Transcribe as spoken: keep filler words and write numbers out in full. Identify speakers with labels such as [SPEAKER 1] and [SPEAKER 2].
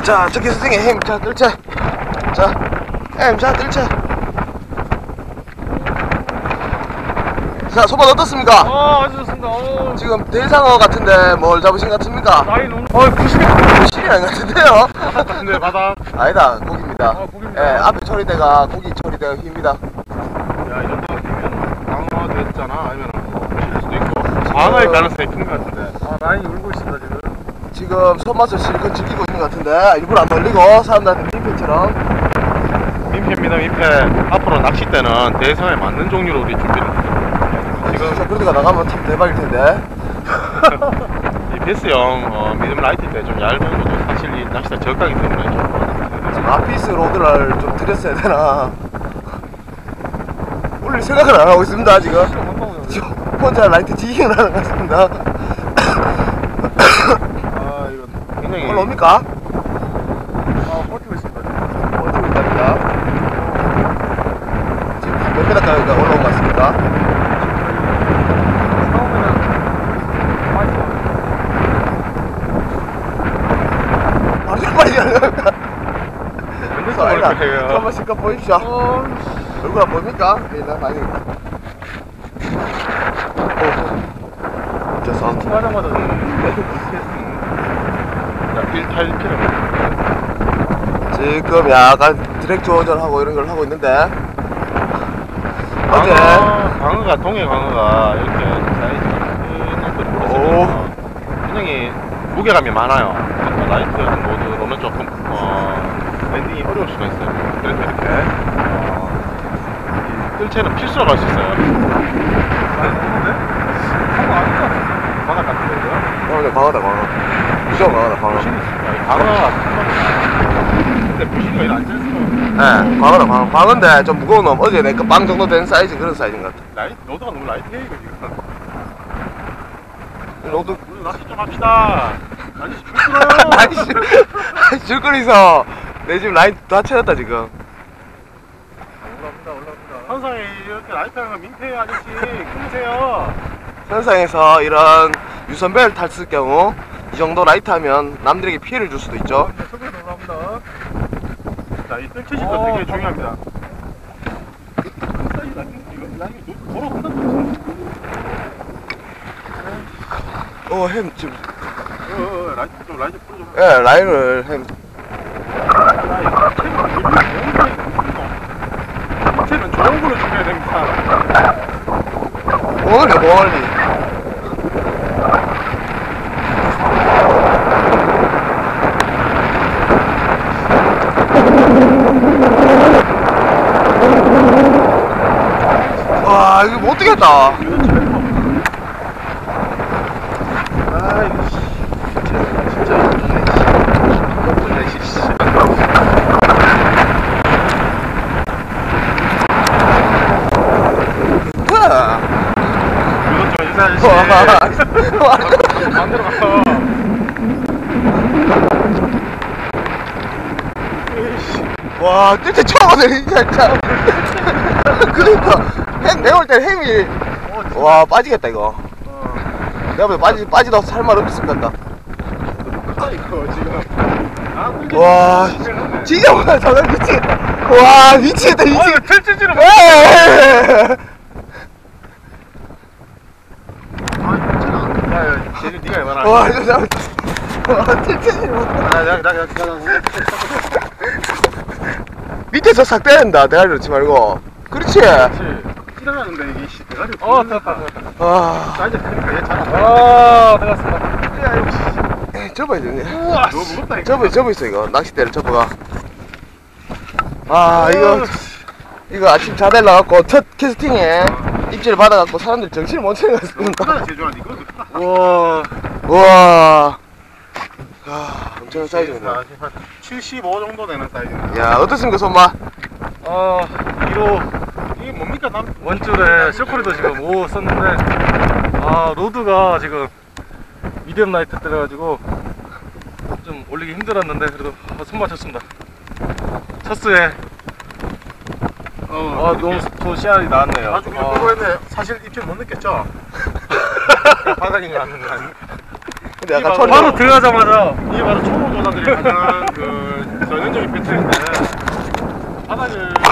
[SPEAKER 1] 자, 저기 선생님 힘, 자, 뜰채. 자, 힘, 자, 뜰채. 자, 소맛 어떻습니까?
[SPEAKER 2] 아, 아주 좋습니다. 어.
[SPEAKER 1] 지금 대상어 같은데 뭘 잡으신 것 같습니까?
[SPEAKER 2] 나이 너무. 어, 구십이.
[SPEAKER 1] 실이 아닌 것 같은데요?
[SPEAKER 2] 네, 바다.
[SPEAKER 1] 아니다, 고기입니다.
[SPEAKER 2] 아, 고기입니다.
[SPEAKER 1] 예, 앞에 처리대가 고기 처리대가 힙니다.
[SPEAKER 2] 야, 이 정도면 방어도 했잖아. 아니면 실일 수도 있고. 방어일 가능성이 큰 것 같은데. 아, 라인이 울고 있습니다, 지금.
[SPEAKER 1] 지금 손맛을 실컷 즐기고 있는 것 같은데 일부러 안 돌리고 사람들한테 민폐처럼.
[SPEAKER 2] 민폐입니다, 민폐. 앞으로 낚싯대는 대상에 맞는 종류로 우리 준비를 했습니다.
[SPEAKER 1] 지금 저 그러다가 나가면 참 대박일 텐데.
[SPEAKER 2] 이 베스형 어, 미디엄 라이트 때 좀 얇은 것도 사실 이 낚싯대 저가기 때문에 좀
[SPEAKER 1] 지금 아피스 로드를 좀 드렸어야 되나. 올릴 생각을 안 하고 있습니다 지금. 지금 혼자 라이트 지깅을 하는 것 같습니다.
[SPEAKER 2] 아, 이거 굉장히
[SPEAKER 1] 올라옵니까?
[SPEAKER 2] 아, 버티고 있습니다.
[SPEAKER 1] 버티고 있답니다. 지금 몇 메다까지 올라온 것 같습니까? 바로 좀 빨리 가는 겁니까?
[SPEAKER 2] 근데
[SPEAKER 1] 한번 실컷 보십시오.
[SPEAKER 2] 어,
[SPEAKER 1] 얼굴 안 보입니까? 일단 많이 있다. 오. 됐어.
[SPEAKER 2] 하자마자 일탈피를
[SPEAKER 1] 지금 약간 드랙 조절하고 이런 걸 하고 있는데 어제
[SPEAKER 2] 광어, 광어가 동해 광어가 이렇게 사이즈가 큰 것들이 보시면 굉장히 무게감이 많아요. 그래서 라이트 모드로는 조금 어, 랜딩이 어려울 수가 있어요. 그래서 이렇게 어, 이 뜰채는 필수로 갈 수 있어요. 많이 먹는데? 광어 아닌 것 같은데? 바닥 같은데 이거?
[SPEAKER 1] 어, 네, 광어다 광어. 무조건 광어다 광어.
[SPEAKER 2] 부신이 있습니다. 광어가 큰 겁니다. 근데 부신이가 이거 안 짠스러워요.
[SPEAKER 1] 네, 광어다 광어. 광어인데 좀 무거운 놈. 어제 내 그 빵 정도 된 사이즈 그런 사이즈인 것 같아.
[SPEAKER 2] 라이트, 너도가 너무 라이트해 이거 지금.
[SPEAKER 1] 너도
[SPEAKER 2] 우리 낚시 좀 합시다. 아저씨 죽들어요.
[SPEAKER 1] 아이씨 줄거리서 내 지금 라인 다 채웠다 지금.
[SPEAKER 2] 올라옵니다, 올라옵니다. 항상 이렇게 라이트 하는 거 민폐예요, 아저씨. 끊으세요.
[SPEAKER 1] 선상에서 이런 유선벨 탔을 경우 이 정도 라이트 하면 남들에게 피해를 줄 수도 있죠.
[SPEAKER 2] 속으로 올라옵니다. 자, 이 뜰채식도 되게 중요합니다. 사이즈 라인, 이거 라인이 도로 한단
[SPEAKER 1] 어, 햄 지금.
[SPEAKER 2] 어, 어, 라이트 좀, 라이트 풀어 좀.
[SPEAKER 1] 예, 라인을 햄.
[SPEAKER 2] 밑에는 좋은 걸로 준비해야 됩니다.
[SPEAKER 1] 멀리 멀리. 와, 이거 못 되겠다.
[SPEAKER 2] 아, 이거 씨. 진짜 이쁘네, 씨. 이쁘네, 씨.
[SPEAKER 1] 뭐야?
[SPEAKER 2] 이것 좀 인사 아저씨. 만들어 갔어.
[SPEAKER 1] 와, 진짜 처음 하네, 진짜. 그러니까, 햄, 내가 올 때 햄이. 와, 빠지겠다, 이거. 내가 보기엔 빠지, 빠지다 살말 없을 것 같다.
[SPEAKER 2] 이거 지금.
[SPEAKER 1] 와, 진짜 뭐야, 저거 미치겠다. 와, 미치겠다, 미치겠다.
[SPEAKER 2] 틀치지를 못.
[SPEAKER 1] 에이.
[SPEAKER 2] 야, 쟤는 네가 해봐라.
[SPEAKER 1] 와, 이거 나, 와, 틀치지 못.
[SPEAKER 2] 야, 야, 야, 야, 야.
[SPEAKER 1] 밑에서 싹 빼낸다, 대가리 넣지 말고. 그렇지.
[SPEAKER 2] 찌라가는데 이게 씨 대가리. 어, 됐다, 됐다.
[SPEAKER 1] 아,
[SPEAKER 2] 자, 이제 그러니까 얘 잘. 아, 들어갔습니다. 야, 이거 씨.
[SPEAKER 1] 에이, 접어야 되네.
[SPEAKER 2] 우와, 너무 무겁다 이거.
[SPEAKER 1] 접어, 접어 있어, 이거. 낚싯대를 접어가. 아, 이거, 이거 아침 자대 나갖고 첫 캐스팅에 입질을 받아갖고 사람들 정신을 못 차린 것 같습니다.
[SPEAKER 2] 크다, 제주한테 이거 크다.
[SPEAKER 1] 우와. 우와. 아, 엄청난 사이즈네.
[SPEAKER 2] 한 칠십오 정도 되는 사이즈입니다.
[SPEAKER 1] 야, 어떻습니까, 손맛?
[SPEAKER 2] 아, 이거 이게 뭡니까? 남 원줄에 쇼크리도 지금 오 썼는데 아 로드가 지금 미디엄 라이트 때려가지고 좀 올리기 힘들었는데 그래도 아, 손 맞췄습니다. 첫 수에 어, 아 너무 좋은 씨알이 나왔네요. 아주 그냥 그거 했네. 사실 입질 못 느꼈죠? 바닥인 거 아는 거 아니에요?
[SPEAKER 1] 근데 약간
[SPEAKER 2] 바로,
[SPEAKER 1] 촌
[SPEAKER 2] 바로 들어가자마자 이게 바로 초보 조사들이 가장 그 전형적인 배틀인데 바닥을